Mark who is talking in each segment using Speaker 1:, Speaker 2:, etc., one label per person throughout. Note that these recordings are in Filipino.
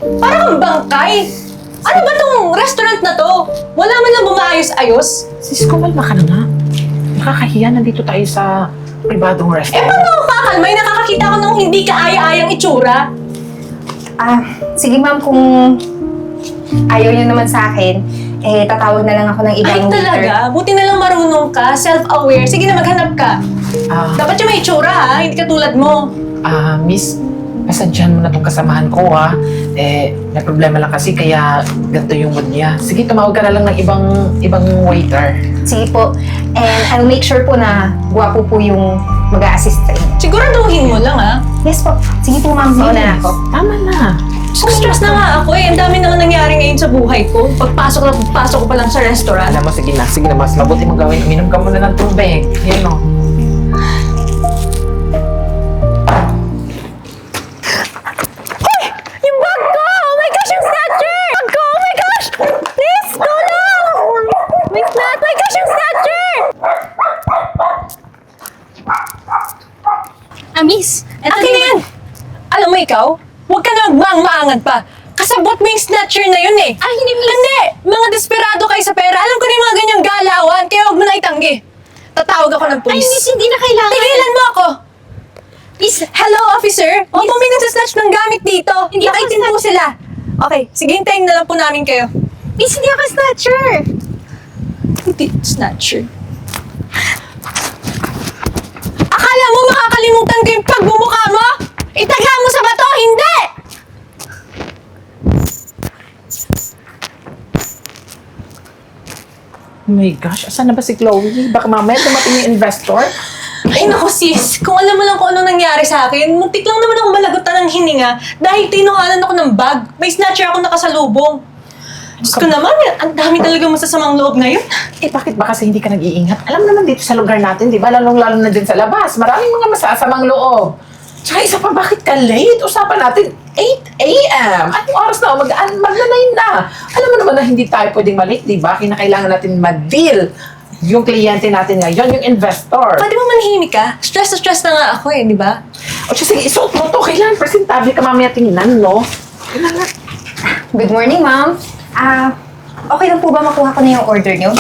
Speaker 1: Parang bangkay! Ano ba tong restaurant na to? Wala man lang bumaayos-ayos?
Speaker 2: Sis, kumalma ka na nga. Nakakahiya, nandito tayo sa pribadong restaurant.
Speaker 1: Paano ako kakalmay? Nakakakita ko ng hindi kaaya-ayang itsura.
Speaker 3: Sige ma'am, kung ayaw niyo naman sa akin, tatawag na lang ako ng
Speaker 1: Ay,
Speaker 3: ibang
Speaker 1: talaga? Buti na lang marunong ka, self-aware. Sige na, maghanap ka. Dapat yung may itsura ha, hindi katulad mo.
Speaker 2: Miss, pasadyahan mo na tong kasamahan ko ha. May problema lang kasi kaya ganito yung mood niya. Sige, tumawag ka na lang ng ibang waiter.
Speaker 3: Sige po. And I'll make sure po na gwapo po yung mag-a-assist sa inyo.
Speaker 1: Siguraduhin mo lang ha.
Speaker 3: Yes po. Sige po ma'am, mauna na ako.
Speaker 2: Tama na.
Speaker 1: So, stress na nga ako eh. Ang dami na nangyari ngayon sa buhay ko. Pagpasok ko pa lang sa restaurant.
Speaker 2: Alam mo, sige na, mas mabuti mong gawin. Uminom ka muna ng tubig. Yan o.
Speaker 1: Yung bag ko! Oh my gosh, yung snatcher! Bag ko! Oh my gosh! Please, tulong! May snatch! Oh my gosh, yung snatcher!
Speaker 4: Miss, eto
Speaker 1: Akin na yan! Alam mo ikaw, huwag ka na magmaangad pa. Kasabot mo yung snatcher na yun eh.
Speaker 4: Ay, hindi, miss.
Speaker 1: Hindi! Mga desperado kayo sa pera. Alam ko na yung mga ganyang galawan, kaya huwag mo na itanggi. Tatawag ako ng
Speaker 4: Ay,
Speaker 1: police.
Speaker 4: miss, hindi na kailangan.
Speaker 1: Tigilan mo ako!
Speaker 4: Miss,
Speaker 1: Hello, officer? Opo, may nagsasnatch ng gamit dito.
Speaker 4: Hindi ako
Speaker 1: Nakaitin po sila. Okay, sige, hintayin na lang po namin kayo.
Speaker 4: miss, hindi ako snatcher.
Speaker 1: Hindi, snatcher. Akala mo makakalimutan ko yung pagbumukha mo? Itaga mo sa bato, hindi!
Speaker 2: Oh my gosh, asan na ba si Chloe? Baka mamaya dumating yung investor?
Speaker 1: Ay naku sis, kung alam mo lang kung ano nangyari sa akin, muntik lang naman ako malagutan ng hininga dahil tinuhanan ako ng bag. May snatcher ako nakasalubong. Diyos ko naman, ang dami talaga masasamang loob ngayon.
Speaker 2: Bakit ba kasi hindi ka nag-iingat? Alam naman dito sa lugar natin, di ba? Lalong-lalo na din sa labas. Maraming mga masasamang loob. Tsaka isa pa, bakit ka late? Usapan natin, 8 a.m. Anong oras na? Magna-9 na. Alam mo naman na hindi tayo pwedeng malate, di ba? Kinakailangan natin ma-deal yung kliyente natin ngayon, yung investor.
Speaker 1: Pwede mo manahimik ka? Stress na stress na nga ako eh, di ba?
Speaker 2: O siya, sige, isuot mo to. Kailangan presentable ka mamaya tingnan, no? Kailangan.
Speaker 3: Good morning ma'am. Okay lang po ba makuha ko na yung order niyo?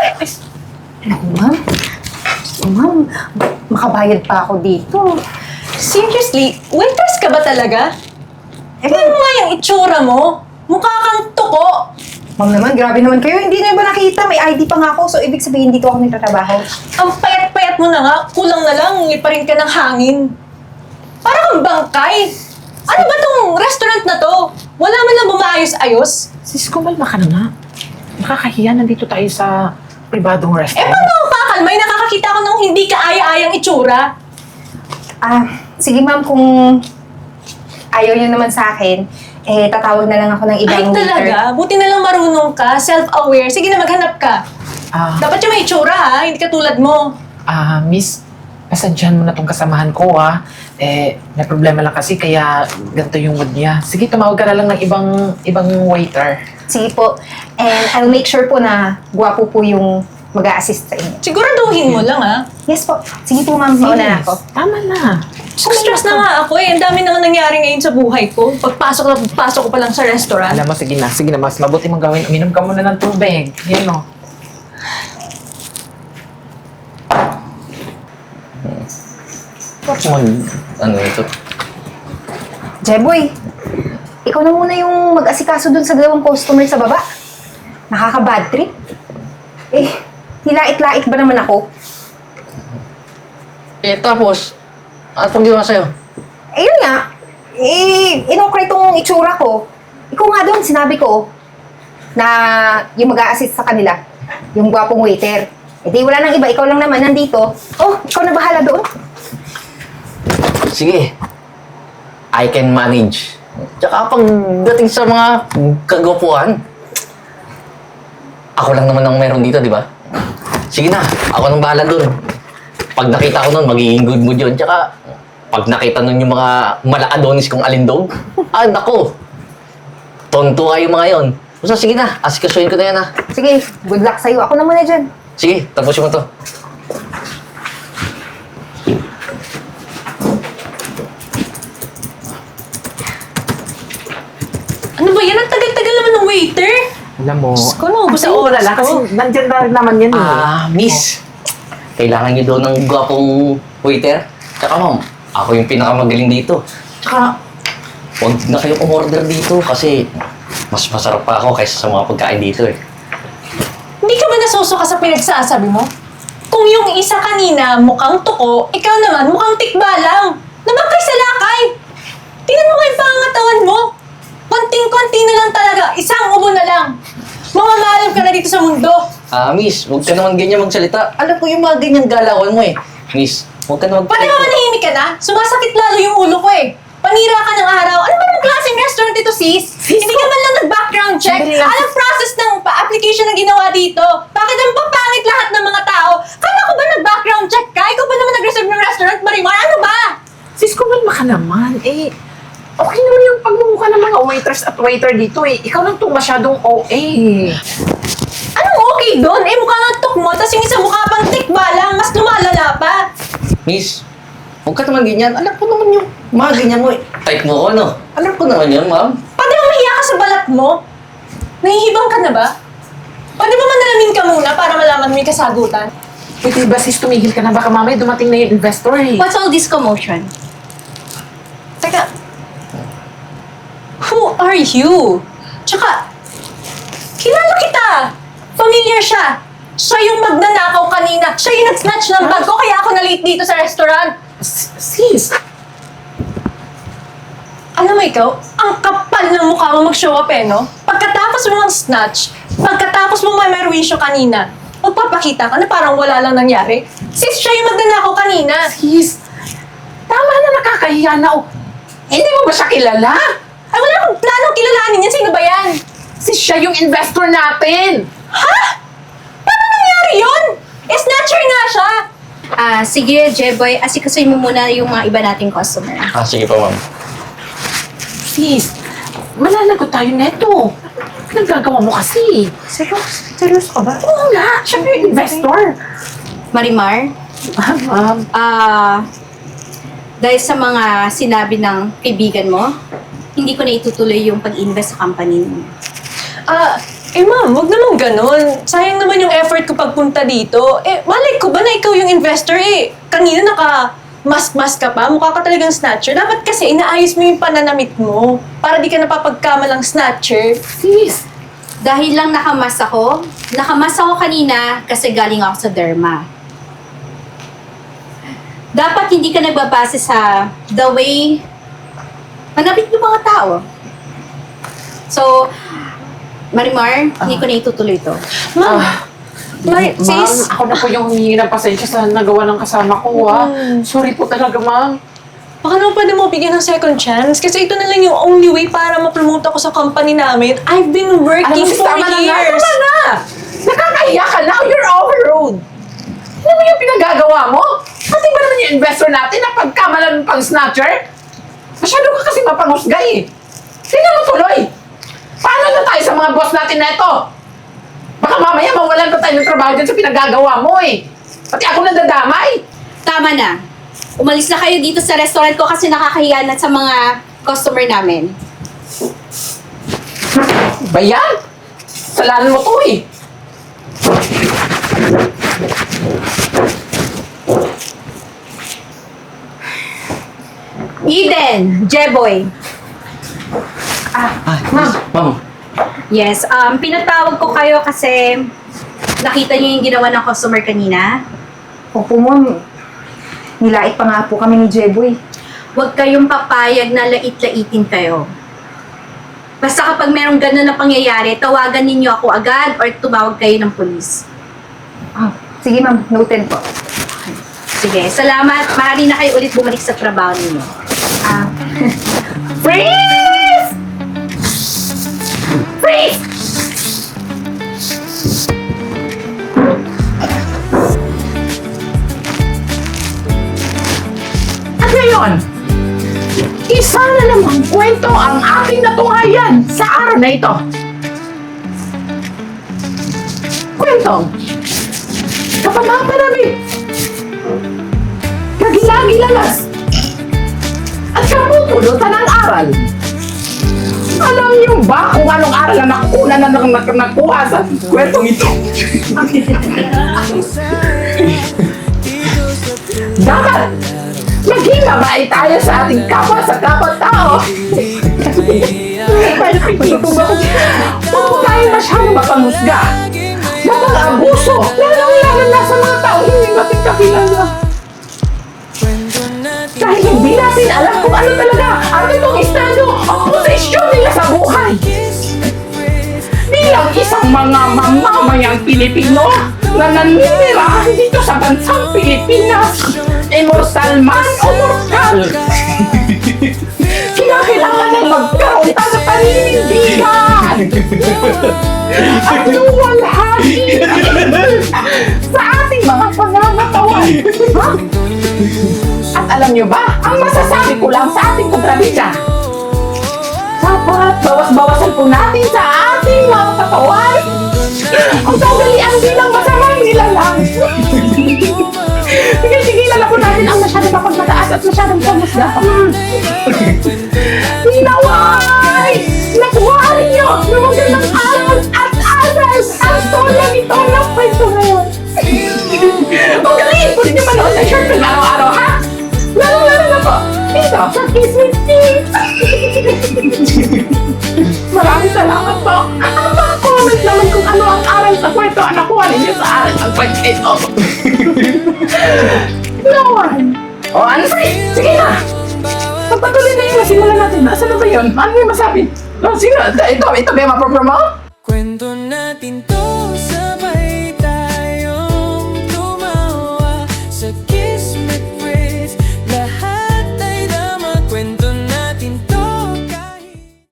Speaker 3: Naku ma'am. Ma'am, makabayad pa ako dito.
Speaker 1: Seriously, waitress ka ba talaga? Tingnan mo nga yung itsura mo. Mukha kang tuko.
Speaker 3: Ma'am naman, grabe naman kayo. Hindi na ba nakita? May ID pa nga ako. So, ibig sabihin dito ako nagtatrabaho.
Speaker 1: Ang payat-payat mo na nga. Kulang na lang, liparin ka ng hangin. Parang kang bangkay. Ano ba tong restaurant na to? Wala man lang bumaayos-ayos?
Speaker 2: Sis, kumalma ka na nga. Nakakahiya, nandito tayo sa pribadong restaurant.
Speaker 1: Paano ako kakalmay? Nakakakita ko ng hindi kaaya-ayang itsura.
Speaker 3: Sige ma'am, kung ayaw niyo naman sa akin, tatawag na lang ako ng
Speaker 1: Ay,
Speaker 3: ibang
Speaker 1: talaga? Buti na lang marunong ka, self-aware. Sige na, maghanap ka. Dapat yung may itsura ha, hindi katulad mo.
Speaker 2: Miss, pasadyahan mo na tong kasamahan ko ha. May problema lang kasi kaya ganito yung mood niya. Sige, tumawag ka na lang ng ibang waiter.
Speaker 3: Sige po. And I'll make sure po na gwapo po yung mag-a-assist sa inyo.
Speaker 1: Siguraduhin mo lang ha.
Speaker 3: Yes po. Sige po ma'am, mauna na ako.
Speaker 2: Tama na.
Speaker 1: So, stress na nga ako eh. Ang dami na nangyari ngayon sa buhay ko. Pagpasok ko pa lang sa restaurant.
Speaker 2: Alam mo, sige na, mas mabuti mong gawin. Uminom ka muna ng tubig. Yan o.
Speaker 5: Ano ito?
Speaker 3: Jeboy, ikaw na muna yung mag-asikaso dun sa dalawang customer sa baba. Nakaka-bad trip. Nilait-lait ba naman ako?
Speaker 5: Tapos, ano pang ginawa sa'yo?
Speaker 3: Ayun nga. Inokray tong itsura ko. Ikaw nga doon, sinabi ko na yung mag-a-assist sa kanila, yung gwapong waiter. Di wala nang iba, ikaw lang naman nandito. Oh, ikaw na bahala doon.
Speaker 5: Sige. I can manage. Tsaka pagdating sa mga kagwapuan, ako lang naman ang meron dito, di ba? Sige na, ako nang bahala dun. Pag nakita ko nun, magiging good mood yun. Tsaka, pag nakita nun yung mga mala-adonis kong alindog, nako. Tontuwa yung mga yon. Basta sige na, asikasuhin ko na yan ha.
Speaker 3: Sige, good luck sa'yo. Ako na muna dyan.
Speaker 5: Sige, tapusin mo to.
Speaker 2: Alam mo,
Speaker 1: Diyos ko, naubos ang
Speaker 2: antayin mo na
Speaker 1: oras
Speaker 2: lang
Speaker 1: ko.
Speaker 2: kasi nandyan na rin naman yan eh.
Speaker 5: Miss, kailangan niyo daw ng gwapong waiter. Tsaka ma'am, ako yung pinakamagaling dito. Tsaka, huwag na kayong umorder dito kasi mas masarap pa ako kaysa sa mga pagkain dito eh.
Speaker 1: Hindi ka ba nasusuka sa pinagsasabi mo? Kung yung isa kanina mukhang tuko, ikaw naman mukhang tikbalang. Nabangkay sa lakay. Tingnan mo nga yung pangangatawan mo. Konting-konti na lang talaga. Isang ubo na lang. Mamamalab ka na dito sa mundo.
Speaker 5: Miss, huwag ka naman ganyan magsalita. Alam ko yung mga ganyang galawan mo eh. Miss, huwag ka naman
Speaker 1: Pwede ba manahimik ka na? Sumasakit lalo yung ulo ko eh. Panira ka ng araw. Ano ba namang klaseng restaurant ito, sis? Hindi ka man lang nag-background check.
Speaker 2: Sandali lang,
Speaker 1: Anong process ng application na ginawa dito? Bakit ang papangit lahat ng mga tao? Kala ko ba nag-background check ka? Ikaw ba naman nag-reserve ng restaurant, Marimar? Ano ba?
Speaker 2: Sis, kumalma ka naman. Eh, okay naman yung pagmumukha ng mga waiters at waiter dito eh. Ikaw lang itong masyadong OA.
Speaker 1: Anong okay doon? Eh, mukha nga tok mo, tapos yung isa mukha pang tikbalang, mas lumalala pa.
Speaker 5: Miss, huwag ka naman ganyan. Alam ko naman yung mga ganyan mo eh. Type mo ko, ano? Alam ko naman yan, ma'am.
Speaker 1: Pwede ba mahiya ka sa balat mo? Nahihibang ka na ba? Pwede ba manalamin ka muna para malaman mo yung kasagutan?
Speaker 2: Pwede ba sis, tumigil ka na? Baka mamaya dumating na yung investor eh.
Speaker 4: What's all this commotion?
Speaker 1: Teka, who are you? Tsaka, kilala kita. Familiar siya. Siya yung magnanakaw kanina. Siya yung nag-snatch ng bag ko, kaya ako na-late dito sa restaurant.
Speaker 2: Sis,
Speaker 1: Alam mo ikaw, ang kapal ng mukha mo mag-show up eh, no? Pagkatapos mo ng snatch, pagkatapos mo may merwisyo kanina, magpapakita ka na parang wala lang nangyari. Sis, siya yung magnanakaw kanina.
Speaker 2: sis, tama na nakakahiya na. Oh. Hindi mo ba siya kilala?
Speaker 1: Ay, wala akong planong kilalanin yan. Sino ba yan?
Speaker 2: Sis, siya yung investor natin.
Speaker 1: Ha? Paano nangyari yun? Snatcher nga siya.
Speaker 4: Sige, Jeboy, asikasuin mo muna yung mga iba nating customer.
Speaker 5: Sige pa, ma'am.
Speaker 2: Sis, malalagot tayo neto. Nagagawa mo kasi.
Speaker 1: Seryoso ka ba?
Speaker 2: Oo nga, siya yung investor.
Speaker 4: Marimar,
Speaker 2: Ma'am,
Speaker 4: dahil sa mga sinabi ng kaibigan mo, hindi ko na itutuloy yung pag-invest sa company mo.
Speaker 1: Ma'am, wag naman ganun. Sayang naman yung effort ko pagpunta dito. Malay ko ba na ikaw yung investor eh? Kanina naka-mask ka pa, mukha ka talagang snatcher. Dapat kasi inaayos mo yung pananamit mo para di ka napapagkamalang snatcher.
Speaker 2: sis,
Speaker 4: Dahil lang nakamas ako kanina kasi galing ako sa derma. Dapat hindi ka nagbabase sa the way manapit yung mga tao. So, Marimar, hindi ko na itutuloy to.
Speaker 1: Ma'am,
Speaker 2: ma'am,
Speaker 1: sis.
Speaker 2: ako na po yung humingi ng pasensya sa nagawa ng kasama ko, ha. Sorry po talaga, ma'am.
Speaker 1: Baka naman pwede mo bigyan ng second chance kasi ito na lang yung only way para ma-promote ako sa company namin. I've been
Speaker 2: Alam
Speaker 1: working
Speaker 2: mo, sis,
Speaker 1: for
Speaker 2: tama na nga.
Speaker 1: years.
Speaker 2: Tama na. Nakakahiya ka now. You're overruled. Ano mo yung pinagagawa mo? Pati ba naman yung investor natin na pagkamalan pang snatcher? Masyado ka kasi mapangusgay eh. Tingnan mo tuloy. Paano na tayo sa mga boss natin na ito? Baka mamaya mawalan pa tayo ng trabaho dyan sa pinagagawa mo eh. Pati ako nadadamay.
Speaker 4: Tama na. Umalis na kayo dito sa restaurant ko kasi nakakahiya na sa mga customer namin.
Speaker 2: Ba yan? Salanan mo to eh.
Speaker 4: Eden, Jeboy.
Speaker 5: Ma'am.
Speaker 4: Yes, pinatawag ko kayo kasi nakita niyo yung ginawa ng customer kanina.
Speaker 3: Opo, ma'am. Nilait pa nga po kami ni Jeboy.
Speaker 4: Huwag kayong papayag na lait-laitin kayo. Basta kapag merong ganun na pangyayari, tawagan ninyo ako agad or tumawag kayo ng polis.
Speaker 3: Sige, ma'am. Noted po.
Speaker 4: Sige, salamat. Maaari na kayo ulit bumalik sa trabaho ninyo.
Speaker 2: Freeze! Freeze! At ngayon, isa na namang kwento ang ating natunghayan sa araw na ito. Kwentong kapanapanabik, kagilagilalas, at kapupulutan ng aral. Alam niyo ba kung anong aral na nakuha nakuha sa kwentong ito? Dapat maging mabait tayo sa ating kapwa sa kapwa-tao. Huwag po tayo masyadong mapanghusga. Mapang-abuso. Lalo na sa mga tao hindi natin kakilala. Dahil hindi natin alam kung ano talaga ang itong estado ang posisyon nila sa buhay. Bilang isang mga mamamayang Pilipino na naninirahan dito sa bansang Pilipinas, immortal man o mortal. Kailangan nang magkaroon tayo sa paninindigan at luwalhati sa ating mga pangangatawan. Ha? At alam niyo ba, ang masasabi ko lang sa ating kontrabida, dapat bawas-bawasan po natin sa ating mga katawan ang kagalian bilang masamang nilalang. Tigilan na po natin ang masyadong mapagmataas at masyadong pamusga. Hinaway! Nakuhaan niyo ng magandang araw at aral ang storya nito ng kwento ngayon. Magaling po ninyo manood ng short film araw-araw, ha? Lalo-lalo na po dito sa Kiss with Tea. Maraming salamat po. Ang mga comment naman kung ano ang aral sa kwento ang nakuha ninyo sa aral ang kwento ito. No one. O, ano pa? Sige na. Pagpatuloy na yung masimulan natin. Nasaan na ba yun? Ano yung masabi? No, sige na. Ito ba yung mapropromote?
Speaker 6: Kwento natin to